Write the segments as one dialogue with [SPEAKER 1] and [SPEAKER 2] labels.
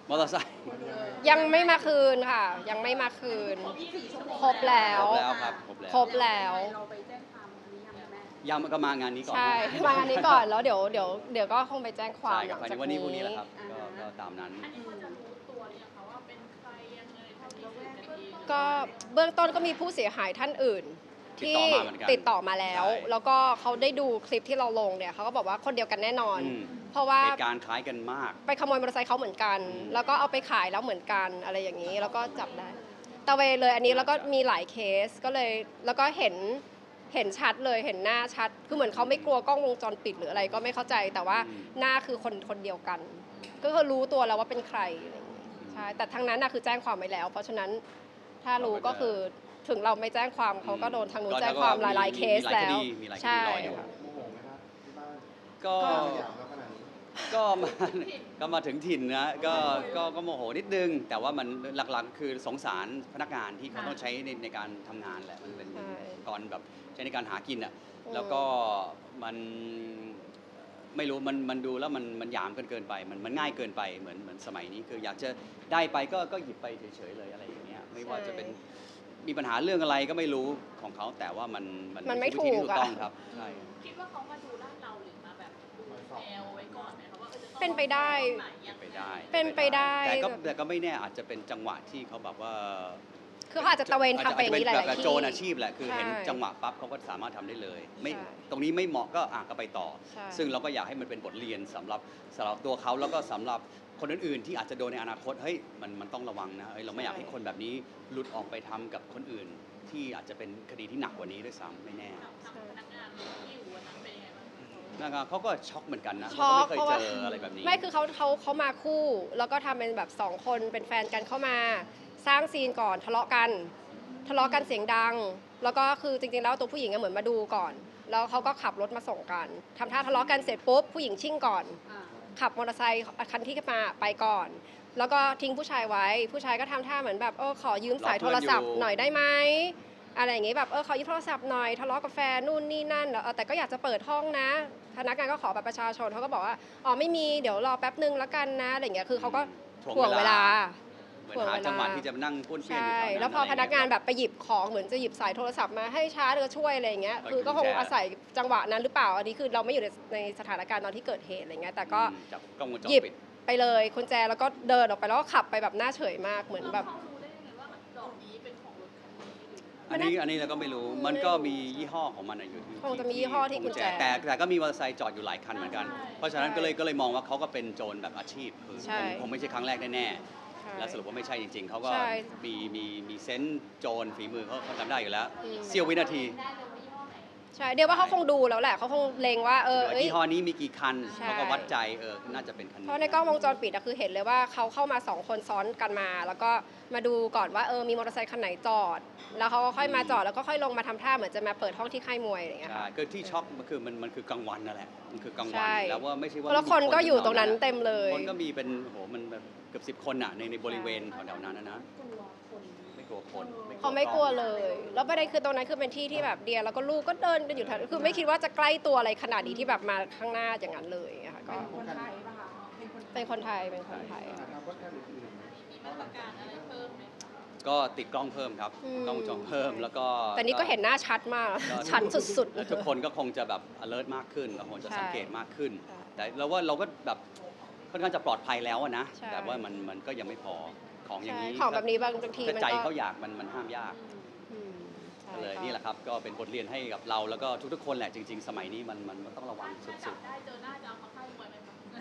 [SPEAKER 1] มอเตอร์ไซค์
[SPEAKER 2] ยังไม่มาคืนค่ะยังไม่มาคืนครบแล้ว
[SPEAKER 1] ครับ
[SPEAKER 2] ครบแล้ว
[SPEAKER 3] เราไปแจ้งความอันนี้ยังแม่
[SPEAKER 1] ยังก็มางานนี้ก่อน
[SPEAKER 2] ใช่มางานนี้ก่อนแล้วเดี๋ยวก็คงไปแจ้งความ
[SPEAKER 1] ใช่ครับภายในวันนี้พรุ่งนี้แหละครับก็ตามนั้น
[SPEAKER 3] อันนี้เขาจะรู้ตัวหรือยังคะว่าเป็นใครยังไงเท่าที่สืบกันเอง
[SPEAKER 2] ก็เบื้องต้นก็มีผู้เสียหายท่านอื่นที่ติดต่อมาแล้วแล้วก็เขาได้ดูคลิปที่เราลงเนี่ยเขาก็บอกว่าคนเดียวกันแน่นอนเพราะว่า
[SPEAKER 1] เหตุการณ์คล้ายกันมาก
[SPEAKER 2] ไปขโมยมอเตอร์ไซค์เขาเหมือนกันแล้วก็เอาไปขายแล้วเหมือนกันอะไรอย่างนี้แล้วก็จับได้ตะเวนเลยอันนี้แล้วก็มีหลายเคสก็เลยแล้วก็เห็นชัดเลยเห็นหน้าชัดคือเหมือนเขาไม่กลัวกล้องวงจรปิดหรืออะไรก็ไม่เข้าใจแต่ว่าหน้าคือคนเดียวกันก็คือรู้ตัวแล้วว่าเป็นใครอะไรอย่างนี้ใช่แต่ทั้งนั้นน่ะคือแจ้งความไว้แล้วเพราะฉะนั้นถ้ารู้ก็คือถึงเราไม่แจ้งความเขาก็โดนทางนู้นแจ้งความหลายๆเคสแล้วใช่
[SPEAKER 1] ก็ก็มาถึงถิ่นนะก็โมโหนิดนึงแต่ว่ามันหลักๆคือสงสารพนักงานที่เขาต้องใช้ในการทำงานแหละมันเป็นก่อนแบบใช้ในการหากินอ่ะแล้วก็มันไม่รู้มันดูแล้วมันหยามเกินไปมันง่ายเกินไปเหมือนสมัยนี้คืออยากจะได้ไปก็หยิบไปเฉยๆเลยอะไรอย่างเงี้ยไม่ว่าจะเป็นมีปัญหาเรื่องอะไรก็ไม่รู้ของเขาแต่ว่ามัน
[SPEAKER 2] ไม่ถูก
[SPEAKER 1] ต้องครับใช่
[SPEAKER 3] คิดว่าเขามาดูลาดเราหรือมาแบบดูแนวไว้ก่อนไหมคะว่าจะต้อง
[SPEAKER 2] เป็นไปได้
[SPEAKER 1] แต่ก็ไม่แน่อาจจะเป็นจังหวะที่เขาแบบว่า
[SPEAKER 2] คือเขาอาจจะตะเวนทำไปอย่างนี้หลายๆที่
[SPEAKER 1] โจรอาชีพแหละคือเห็นจังหวะปั๊บเขาก็สามารถทำได้เลยไม่ตรงนี้ไม่เหมาะก็ไปต่อซึ่งเราก็อยากให้มันเป็นบทเรียนสำหรับตัวเขาแล้วก็สำหรับคนอื่นๆที่อาจจะโดนในอนาคตเฮ้ยมันต้องระวังนะเราไม่อยากให้คนแบบนี้หลุดออกไปทำกับคนอื่นที่อาจจะเป็นคดีที่หนักกว่านี้ด้วยซ้ำไม่แน่
[SPEAKER 3] พนักงานที่อยู่วันนั้นเป็นยังไงบ้าง
[SPEAKER 1] นะครับเขาก็ช็อกเหมือนกันนะเขาไม่เคยเจออะไรแบบนี้
[SPEAKER 2] ไม่คือเขามาคู่แล้วก็ทำเป็นแบบ2คนเป็นแฟนกันเข้ามาสร้างซีนก่อนทะเลาะกันเสียงดังแล้วก็คือจริงๆแล้วตัวผู้หญิงเหมือนมาดูก่อนแล้วเขาก็ขับรถมาส่งกันทำท่าทะเลาะกันเสร็จปุ๊บผู้หญิงชิ่งก่อนขับมอเตอร์ไซค์คันที่มาไปก่อนแล้วก็ทิ้งผู้ชายไว้ผู้ชายก็ทำท่าเหมือนแบบขอยืมสายโทรศัพท์หน่อยได้ไหมอะไรอย่างงี้แบบขอยืมโทรศัพท์หน่อยทะเลาะกับแฟนนู่นนี่นั่นแต่ก็อยากจะเปิดห้องนะพนักงานก็ขอบัตรประชาชนเขาก็บอกว่าไม่มีเดี๋ยวรอแป๊บนึงแล้วกันนะอะไรอย่างเงี้ยคือเขาก็ถ่วงเวลา
[SPEAKER 1] เหมือนหาจังหวะที่จะนั่งป้วนเปี้ยนอยู่แถวนั้น
[SPEAKER 2] แล้วพอพนักงานแบบไปหยิบของเหมือนจะหยิบสายโทรศัพท์มาให้ช้าเดี๋ยวช่วยอะไรอย่างเงี้ยคือก็คงอาศัยจังหวะนั้นหรือเปล่าอันนี้คือเราไม่อยู่ในสถานการณ์ตอนที่เกิดเหตุอะไรเงี้ยแต่ก็หยิบไปเลยกุญแจแล้วก็เดินออกไปแล้วก็ขับไปแบบหน้าเฉยมากเหมือนแบบ
[SPEAKER 1] อันนี้เราก็ไม่รู้มันก็มียี่ห้อของมันอยู่ที่
[SPEAKER 2] คงจะมียี่ห้อที่กุญแจ
[SPEAKER 1] แต่ก็มีมอเตอร์ไซค์จอดอยู่หลายคันเหมือนกันเพราะฉะนั้นก็เลยมองว่าเขาก็เป็นโจรแบบอาชีพคือคงไม่ใช่ครั้งแรกแน่แล้วสรุปว่าไม่ใช่จริงๆเขาก็มีเซนส์โจรฝีมือเขาทำได้อยู่แล้วเสี้ยววินาที
[SPEAKER 2] ใช่เดี๋ยวว่าเขาคงดูแล้วแหละเขาคงเลงว่า
[SPEAKER 1] ยี่ห้อนี้มีกี่คันเขาก็วัดใจน่าจะเป็นคันนี้
[SPEAKER 2] เพราะในกล้องวงจรปิดคือเห็นเลยว่าเขาเข้ามา2คนซ้อนกันมาแล้วก็มาดูก่อนว่ามีมอเตอร์ไซค์คันไหนจอดแล้วเขาก็ค่อยมาจอดแล้วก็ค่อยลงมาทำท่าเหมือนจะมาเปิดห้องที่ค่ายมวยอะไรอย่างเงี้ย
[SPEAKER 1] ใช่ก็ที่ช็อกมันคือกลางวันนั่นแหละมันคือกลางวันแล้วว่าไม่ใช่ว่า
[SPEAKER 2] แล้วคนก็อยู่ตรงนั้นเต็มเลย
[SPEAKER 1] คนก็มีเป็นมันแบบเกือบ10 คนในบริเวณแถวๆนั้นนะไม่กลัวคน
[SPEAKER 2] เขาไม่กลัวเลยแล้วประเด็นคือตรงนั้นคือเป็นที่ที่แบบเดียแล้วก็ลูกก็เดินกันอยู่แถวคือไม่คิดว่าจะใกล้ตัวอะไรขนาดนี้ที่แบบมาข้างหน้าอย่างนั้นเลยค่ะก็
[SPEAKER 3] คนไทยป่ะคะ
[SPEAKER 2] เป็นคนไทยมีมา
[SPEAKER 3] ตรการอะไรเพิ่มไหม
[SPEAKER 1] ก็ติดกล้องเพิ่มครับกล้องวงจรเพิ่มแล้วก็
[SPEAKER 2] แต่นี้ก็เห็นหน้าชัดมากชัดสุดๆ
[SPEAKER 1] แล้วทุกคนก็คงจะแบบ alert มากขึ้นแล้วคงจะสังเกตมากขึ้นแต่เราก็แบบค่อนข้างจะปลอดภัยแล้วนะแต่ว่ามันก็ยังไม่พอของอย่างนี้
[SPEAKER 2] ของแบบนี้บางที
[SPEAKER 1] ใจเขาอยากมันห้ามยากเลยนี่แหละครับก็เป็นบทเรียนให้กับเราแล้วก็ทุกๆคนแหละจริงๆสมัยนี้มันต้องระวังสุดๆ
[SPEAKER 3] ได้เจอหน้าจะเอาเขาให้มวยไหม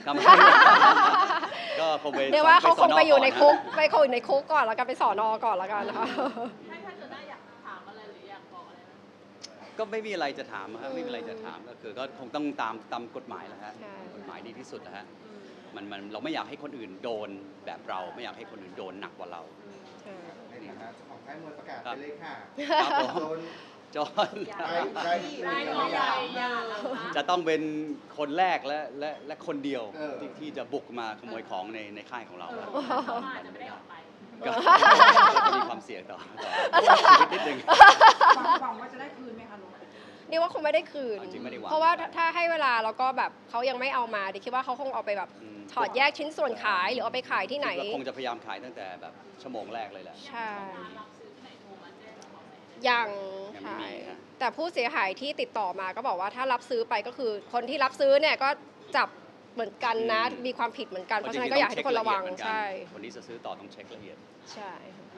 [SPEAKER 1] ก็คงไป
[SPEAKER 2] เดี๋ยวว่าเขาคงไปอยู่ในคุกอยู่ในคุกก่อนแล้วกันไปสอนก่อนแล้วกันนะคะ
[SPEAKER 3] ถ้าเจอหน้าอยากถามอะไรหรืออยากบอกอะไร
[SPEAKER 1] ก็ไม่มีอะไรจะถามครับไม่มีอะไรจะถามก็คือก็คงต้องตามกฎหมายแหละฮะกฎหมายดีที่สุดนะฮะมันเราไม่อยากให้คนอื่นโดนแบบเราไม่อยากให้คนอื่นโดนหนักกว่าเรา
[SPEAKER 4] ในฐานะของค่ายมวยประกาศไปเลยค่ะ
[SPEAKER 1] จอนจะต้องเป็นคนแรกและคนเดียวที่จะบุกมาขโมยของในค่ายของเราก็มีความเสี่ยงต่อชีวิตนิดนึง
[SPEAKER 3] หวังว่าจะได้คืนไหมคะลูก
[SPEAKER 2] นี่ว่าคงไม่ได้คืน
[SPEAKER 1] จริงๆไม่ได้วาง
[SPEAKER 2] เพราะว่าถ้าให้เวลาแล้วก็แบบเขายังไม่เอามาดิคิดว่าเขาคงเอาไปแบบถอดแยกชิ้นส่วนขายหรือเอาไปขายที่ไหน
[SPEAKER 1] คิดว่าคงจะพยายามขายตั้งแต่แบบชั่วโมงแรกเลยแหละ
[SPEAKER 2] ใช่
[SPEAKER 3] รับซื้อที่ไหนโทรมาแจ้งขอแส
[SPEAKER 2] ยัง
[SPEAKER 1] ยังไม่
[SPEAKER 2] ใช่
[SPEAKER 1] มีครับ
[SPEAKER 2] แต่ผู้เสียหายที่ติดต่อมาก็บอกว่าถ้ารับซื้อไปก็คือคนที่รับซื้อเนี่ยก็จับเหมือนกันนะ มีความผิดเหมือนกันเพราะฉะนั้นก็อยากให้ทุกคนระวัง
[SPEAKER 1] เพาจงๆต้องเช็คลเอียดเหมือนกัน
[SPEAKER 2] ใช่
[SPEAKER 1] คนที่จะซื้อต่อต้องเช็คละเอียด
[SPEAKER 2] ใช่ค่ะ